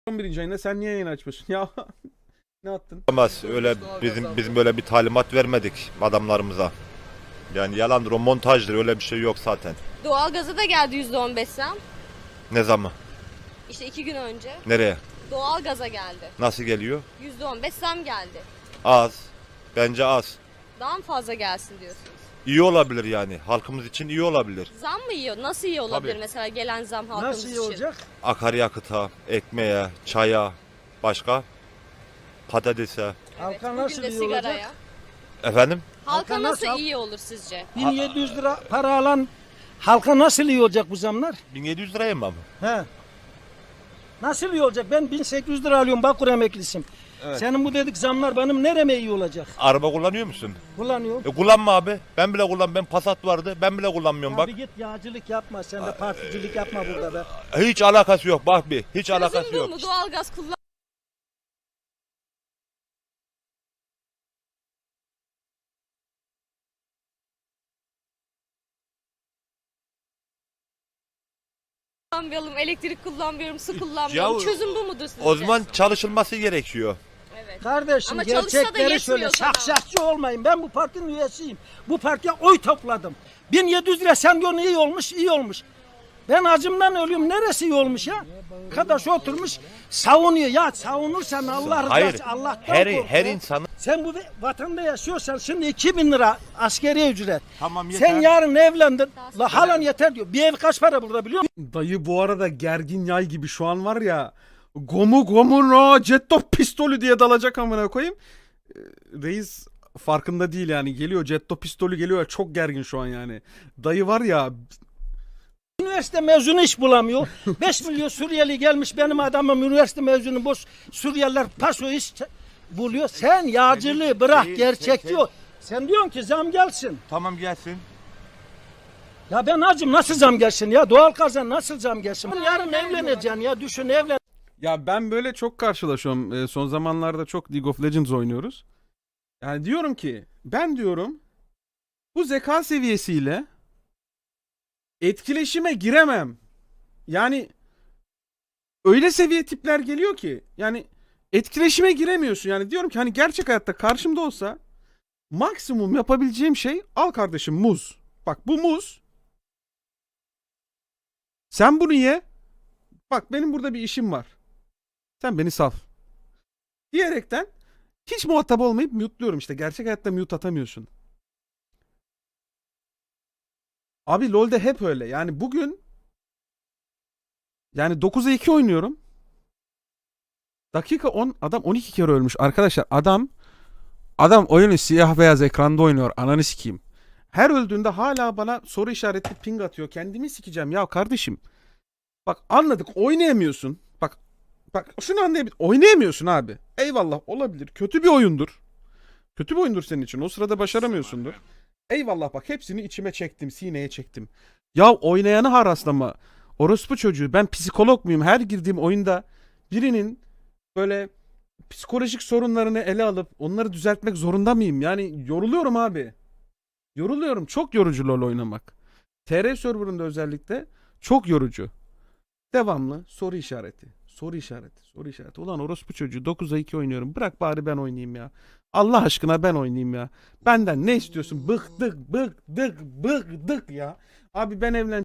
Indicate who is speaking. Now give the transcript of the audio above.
Speaker 1: 11. ayında sen niye yayın açmıyorsun? Ya ne attın?
Speaker 2: Olmaz. Öyle bizim böyle bir talimat vermedik adamlarımıza. Yani yalandır, o montajdır, öyle bir şey yok zaten.
Speaker 3: Doğalgaza da geldi %15 zam.
Speaker 2: Ne zaman?
Speaker 3: İşte 2 gün önce.
Speaker 2: Nereye?
Speaker 3: Doğalgaza geldi.
Speaker 2: Nasıl geliyor?
Speaker 3: %15 zam geldi.
Speaker 2: Az. Bence az.
Speaker 3: Daha mı fazla gelsin diyorsunuz?
Speaker 2: İyi olabilir yani. Halkımız için iyi olabilir.
Speaker 3: Zam mı iyi? Nasıl iyi olabilir
Speaker 2: Tabii.
Speaker 3: mesela gelen zam halkımız
Speaker 4: Nasıl iyi
Speaker 3: için?
Speaker 4: olacak?
Speaker 2: Akaryakıta, ekmeğe, çaya, başka? Patatese.
Speaker 3: Evet,
Speaker 4: Halka
Speaker 3: bugün
Speaker 4: nasıl
Speaker 3: de
Speaker 4: iyi
Speaker 3: sigaraya.
Speaker 4: olacak?
Speaker 2: Efendim?
Speaker 3: Halka
Speaker 4: Halka
Speaker 3: nasıl
Speaker 4: nasıl-
Speaker 3: iyi olur sizce?
Speaker 4: 1700 lira para alan halka nasıl iyi olacak bu zamlar?
Speaker 2: 1700 liraya mı?
Speaker 4: He. Nasıl iyi olacak? Ben 1800 lira alıyorum, Bakır emeklisiyim.
Speaker 2: Evet.
Speaker 4: Senin bu dedik zamlar benim nereme iyi olacak?
Speaker 2: Araba kullanıyor musun?
Speaker 4: Kullanıyorum.
Speaker 2: Kullanma abi. Ben bile ben Passat vardı. Ben bile kullanmıyorum
Speaker 4: Ya
Speaker 2: bak.
Speaker 4: bir git yağcılık yapma, sen de particilik yapma burada be.
Speaker 2: Hiç alakası yok bak bir. Hiç alakası
Speaker 3: Çözüm bu
Speaker 2: yok.
Speaker 3: mu? Doğalgaz kullan. Kullanmayalım, elektrik kullanmıyorum, su kullanmıyorum.
Speaker 2: Ya,
Speaker 3: Çözüm bu mudur sizce?
Speaker 2: O zaman çalışılması gerekiyor.
Speaker 3: Evet.
Speaker 4: Kardeşim
Speaker 3: Ama çalışsa da
Speaker 4: gerçekleri söyle,
Speaker 3: yetmiyor sana.
Speaker 4: şahşahçı olmayın. Ben bu partinin üyesiyim. Bu partiye oy topladım. 1700 lira sen diyorsun iyi olmuş, iyi olmuş. Ben acımdan ölüyorum. Neresi iyi olmuş ya? Arkadaş oturmuş savunuyor. Ya savunursan Allah
Speaker 2: Hayır.
Speaker 4: rızası Allah'tan kork
Speaker 2: Her
Speaker 4: ya.
Speaker 2: insanın
Speaker 4: Sen bu vatanda yaşıyorsan şimdi 2000 lira askeri ücret.
Speaker 2: Tamam, yeter.
Speaker 4: Sen yarın evlendin. La halan yeter diyor. Bir ev kaç para burada biliyor musun?
Speaker 1: Dayı bu arada gergin yay gibi şu an var ya. Gomu no Jetto pistolü diye dalacak amına koyayım. Reis farkında değil yani. Geliyor Jetto pistolü geliyor. Çok gergin şu an yani. Dayı var ya.
Speaker 4: Üniversite mezunu iş bulamıyor. 5 milyon Suriyeli gelmiş benim adamım üniversite mezunu boş Suriyeliler paso iş buluyor. Sen yağcılığı bırak gerçek diyor. Sen diyorsun ki zam gelsin.
Speaker 2: tamam gelsin.
Speaker 4: Ya ben acım nasıl zam gelsin ya? Doğal kazan nasıl zam gelsin? Yarın evleneceksin ya düşün evlen.
Speaker 1: Ya ben böyle çok karşılaşıyorum. Son zamanlarda çok League of Legends oynuyoruz. Yani diyorum ki ben diyorum bu zeka seviyesiyle etkileşime giremem. Yani öyle seviye tipler geliyor ki yani etkileşime giremiyorsun. Yani diyorum ki hani gerçek hayatta karşımda olsa maksimum yapabileceğim şey al kardeşim muz. Bak bu muz. Sen bunu ye. Bak benim burada bir işim var. Sen beni sal. Diyerekten hiç muhatap olmayıp mute'luyorum işte. Gerçek hayatta mute atamıyorsun. Abi LoL'de hep öyle. Yani bugün yani 9'a 2 oynuyorum. Dakika 10 adam 12 kere ölmüş. Arkadaşlar adam oyunu siyah beyaz ekranda oynuyor. Ananı sikeyim. Her öldüğünde hala bana soru işaretli ping atıyor. Kendimi sikeceğim ya kardeşim. Bak anladık oynayamıyorsun. Bak şunu anlayabilir. Oynayamıyorsun abi. Eyvallah olabilir. Kötü bir oyundur. Kötü bir oyundur senin için. O sırada başaramıyorsundur. Eyvallah bak hepsini içime çektim. Sineye çektim. Ya oynayanı haraslama. Orospu çocuğu. Ben psikolog muyum? Her girdiğim oyunda birinin böyle psikolojik sorunlarını ele alıp onları düzeltmek zorunda mıyım? Yani yoruluyorum abi. Yoruluyorum. Çok yorucu LoL oynamak. TR serverında özellikle çok yorucu. Devamlı soru işareti. Soru işareti. Soru işareti. Ulan orospu çocuğu 9'a 2 oynuyorum. Bırak bari ben oynayayım ya. Allah aşkına ben oynayayım ya. Benden ne istiyorsun? Bıktık ya. Abi ben evlen